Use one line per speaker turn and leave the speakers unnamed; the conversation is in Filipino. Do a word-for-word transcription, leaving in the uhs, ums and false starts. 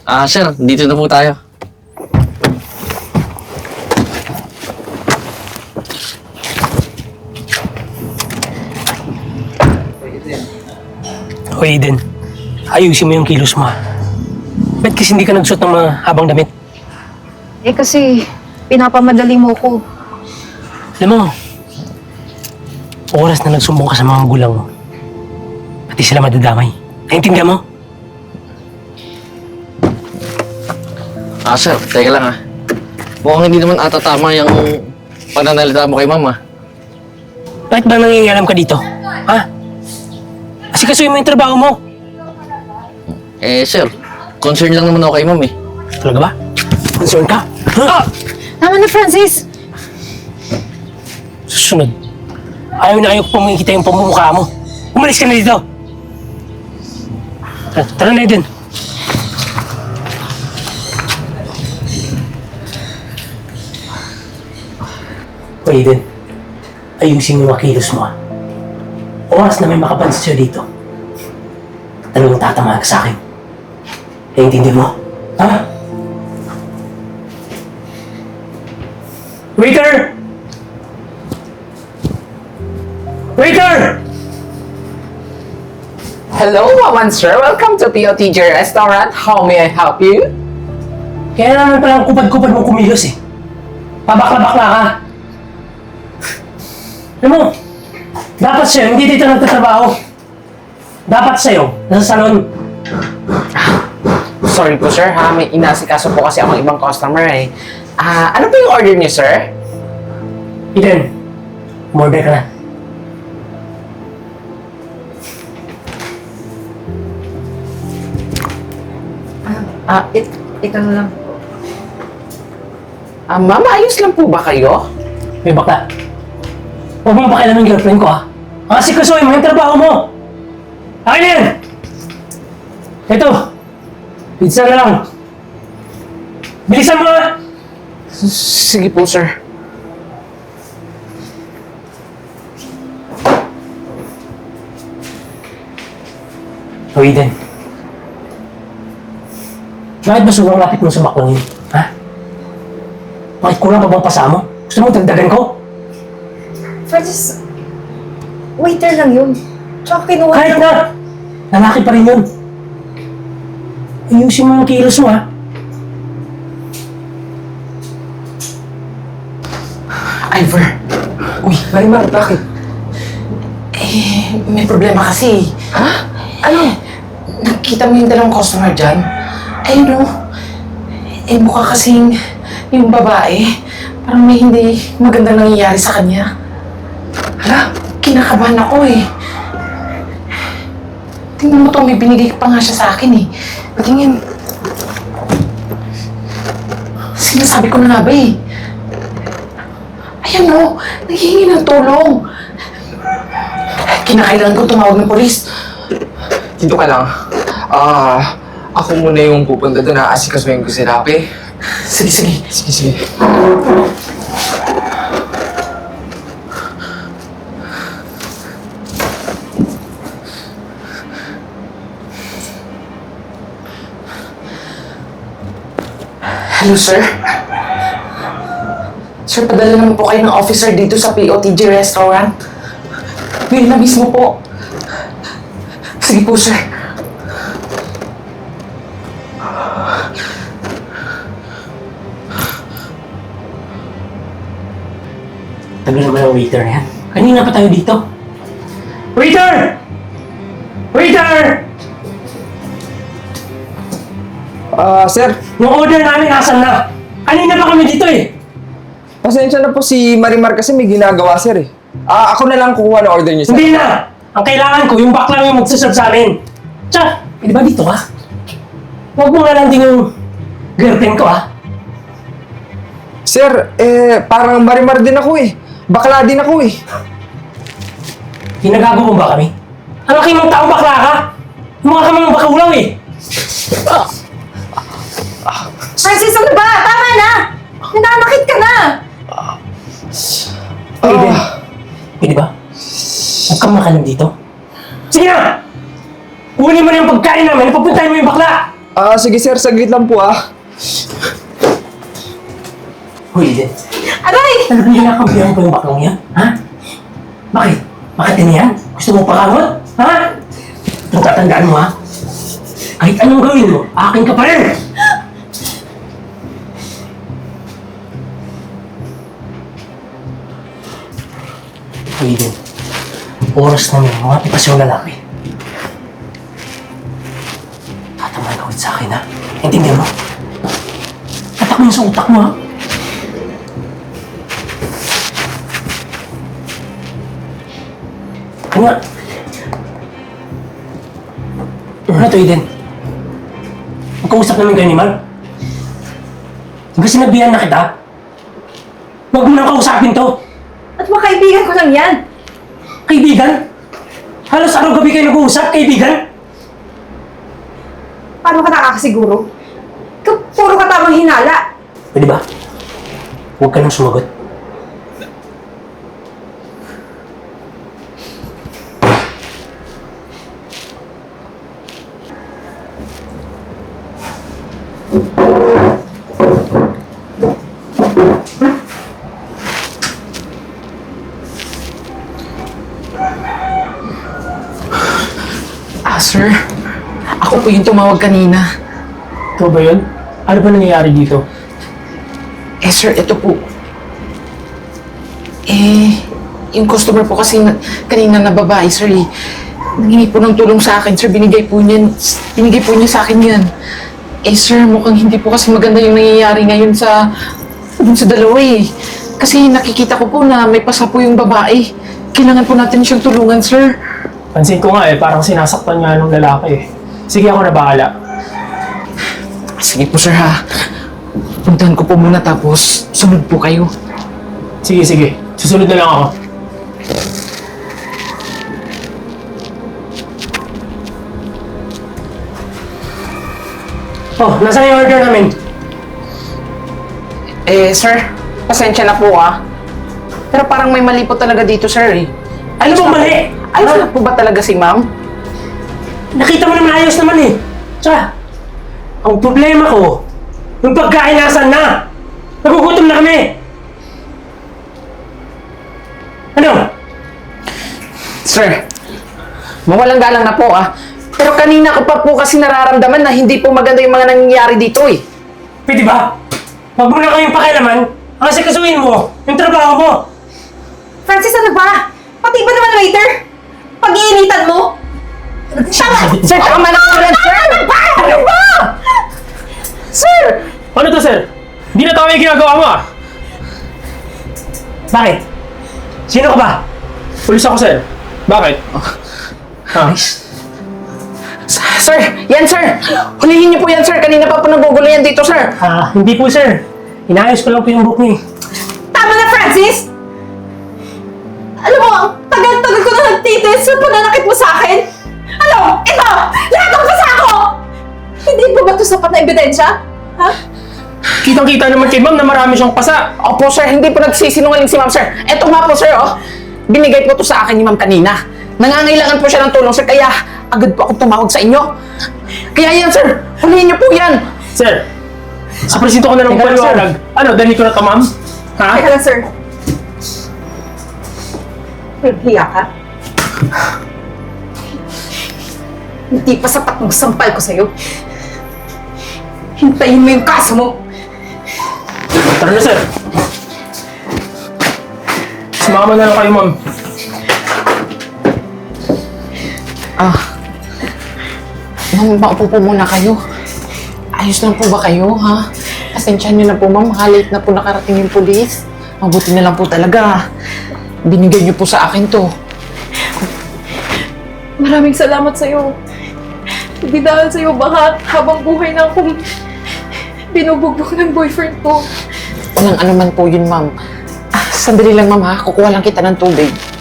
Ah, sir, dito na po tayo.
O Aiden, ayusin mo yung kilos mo. Ba't kasi hindi ka nagsuot ng mga habang damit?
Eh kasi, pinapamadali mo ko.
Alam mo, oras na nagsumbong ka sa mga gulang mo, pati sila madadamay. Naintindihan mo?
Ah, sir, teka lang ah. Mukhang hindi naman ata tama yung pananalita mo kay mama.
Bakit ba nangingialam ka dito? Ha? Kasi kasuyin mo yung trabaho mo.
Eh, sir, concern lang naman ako kay ma'am eh.
Talaga ba? Concern ka? Ha?
Tama na, Francis!
Susunod. Ayaw na ayaw ko pang makikita yung pamumukha mo. Umalis ka na dito. Tara, tara na Aiden. O Aiden, ayusin mo yung makilos mo. Oras na may makapansin sa'yo dito. Talagang tatamaan ka sa akin. Naiintindihan mo? Ha? Waiter! Waiter!
Hello, Wawan sir. Welcome to P O T J Restaurant. How may I help you?
Kaya naman palang kupad-kupad mong kumilos eh. Pabakla-bakla ka. Alam mo, dapat sa'yo, hindi dito nagtatrabaho. Dapat sa'yo, nasa salon.
Sorry po sir ha, may inasikaso po kasi akong ibang customer eh. Ah, ano po yung order niyo sir?
Eden, umorder ka na.
Ah, it,
Ikaw na lang.
ah, ma'am, ayos lang po ba kayo?
May bakla. Huwag mong pakialam yung girlfriend ko ha. Ang asikasuhin mo yung trabaho mo. Akin na yan! Ito, pizza na lang. Bilisan mo ha!
S- Sige po sir.
O Eden, bakit ba sobrang lapit mo sa baklang yun? Ha? Bakit kulang pa bang pasa mo? Gusto mo dagdagan ko?
Francis, waiter lang yun. Tsaka kinuha
Kahit na! Lalaki pa rin yun. Ayusin mo ang kilos mo ha.
Ivor. Uy, Marimar, bakit? Eh, may problema kasi. Ha? Ano? Nakita mo yung dalawang customer dyan? Ayun o. Eh, mukha kasing yung babae. Parang may hindi magandang nangyayari sa kanya. Hala, kinakabahan ako eh. Tingnan mo to, may binigay pa nga siya sa akin eh. Patingin. Sinasabi ko na nga ba eh. Ayan o, naghihingi ng tulong. Kinakailangan ko tumawag ng polis.
Dito ka lang. Ah, ako muna yung pupunta doon. Aasikasuhin ko si Rapi.
Sige, sige.
Sige, sige.
Hello, sir. Sir, padala naman po kayo ng officer dito sa P O T J Restaurant. Ngayon na mismo po. Sige po, sir.
Tagal naman ang waiter na yan. Kanina pa tayo dito. Waiter! Waiter!
Ah, sir.
Yung order namin asan na? Kanina pa kami dito eh.
Pasensya na po si Marimar kasi may ginagawa, sir eh. Ah, ako na lang kukuha ng order niyo, sir.
Hindi na! Ang kailangan ko, yung bakla yung magsaserve sa amin. Tsa, eh, di ba dito ka? Huwag mo nga lang din yung girlfriend ko ha.
Sir, eh, parang Marimar din ako eh. Bakla din ako eh.
Ginagago mo ba kami? Ang laki mong tao bakla ka! Mukha ka mga bakulaw eh!
Francis, ano ba? Tama na! Nananakit ka na!
Aiden, pwede ba? Huwag kang makalam dito. Sige na! Kunin mo na yung pagkain namin, papuntahin mo yung bakla!
Ah, sige sir, saglit lang po ah.
Hoy, Eden.
Aray!
Talagang nilakabihan ko yung baklong yan, ha? Bakit? Bakit yan yan? Gusto mo pakamot? Ha? Ito tatandaan mo, ha? Kahit anong gawin mo, akin ka pa rin! Hoy, Eden. Oras na may mga pitas yung lalaki. Tatamaan ka ulit sa akin, ha? Intindihan mo? Tatak mo yung sa utak mo, ha? Ano? Ano to, Eden? Magkausap namin kayo ni Mal. Di ba sinabihan na kita? Huwag mo nang kausapin to.
At mga kaibigan ko lang yan.
Kaibigan? Halos araw-gabi kayo nag-uusap, kaibigan?
Paano ka nakakasiguro? Ikaw, puro ka tamang hinala.
Pwede ba? Huwag ka nang sumagot.
Ah, sir. Ako po yung tumawag kanina.
Ito ba yun? Ano ba nangyayari dito?
Eh, sir, ito po. Eh, yung customer po kasi na, kanina na babae, sir, eh. Nangingi po ng tulong sa akin, sir. Binigay po niya, binigay po niya sa akin yan. Eh, sir, mukhang hindi po kasi maganda yung nangyayari ngayon sa, dun sa dalawa, eh. Kasi nakikita ko po na may pasa po yung babae. Kailangan po natin siyang tulungan, sir.
Pansin ko nga eh, parang sinasaktan nga nung lalaki eh. Sige, ako na bahala.
Sige po, sir, ha. Puntahan ko po muna tapos sunod po kayo.
Sige, sige. Susunod na lang ako.
Oh, nasaan yung order namin?
Eh, sir, pasensya na po, ah. Pero parang may mali po talaga dito, sir, eh.
Ano bang mali?
Ayos na po ba talaga si ma'am?
Nakita mo naman ayos naman eh. Tsaka, ang problema ko, yung pagkain nasan na? Nagugutom na kami! Ano?
Sir, mawalang galang na po, ah. Pero kanina ko pa po kasi nararamdaman na hindi po maganda yung mga nangyayari dito, eh.
Pwede ba? Huwag mo na kayong pakialaman. Ang asikasuhin mo, yung trabaho mo.
Francis, ano ba? Pati ba naman waiter? Pag-iinitan mo? Tama!
Sir, tama na po yan, sir!
Ano ba? Ano ba?
Sir!
Ano to, sir? Hindi na tama yung ginagawa mo ah!
Bakit? Sino ka ba?
Pulis ako, sir. Bakit? Ha?
Sir, yan, sir! Hulihin niyo po yan, sir! Kanina pa po nagugulo yan dito, sir!
Ah, hindi po sir. Inayos ko lang po yung book niyo eh.
Tama na, Francis! Alam mo, ang tagal-tagal ko na nagtitis yung pananakit mo sa akin. Ano? Ito! Lahat ng pasa ko! Hindi po ba ito sapat na ebidensya? Ha?
Kitang-kita naman kay ma'am na marami siyang pasa.
Opo, sir, hindi po nagsisinungaling si ma'am, sir. Eto nga po, sir, oh. Binigay po to sa akin ni ma'am kanina. Nangangailangan po siya ng tulong, sir, kaya agad po ako tumawag sa inyo. Kaya yan, sir. Hulihin niyo po yan.
Sir, sa presinto ko na lang
Teka lang,
paliwanag. Ano, dahil ko na to, ma'am? Ha?
Teka lang, sir. Naghiya ka? Hindi pa sapat ng sampal ko sa'yo. Hintayin mo yung kaso mo.
Tara na, sir. Sumama na lang kayo, ma'am.
Ah. Ma'am, maupo po muna kayo. Ayos lang po ba kayo, ha? Pasensyahan niyo na po, ma'am. Halate na po nakarating yung pulis. Mabuti na lang po talaga. Binigay niyo po sa akin to.
Maraming salamat sa'yo. Hindi dahil sa'yo, baka habang buhay na akong binubugbog ng boyfriend ko.
Walang ano man po yun, ma'am. Ah, sandali lang, ma'am, ha? Kukuha lang kita ng tubig.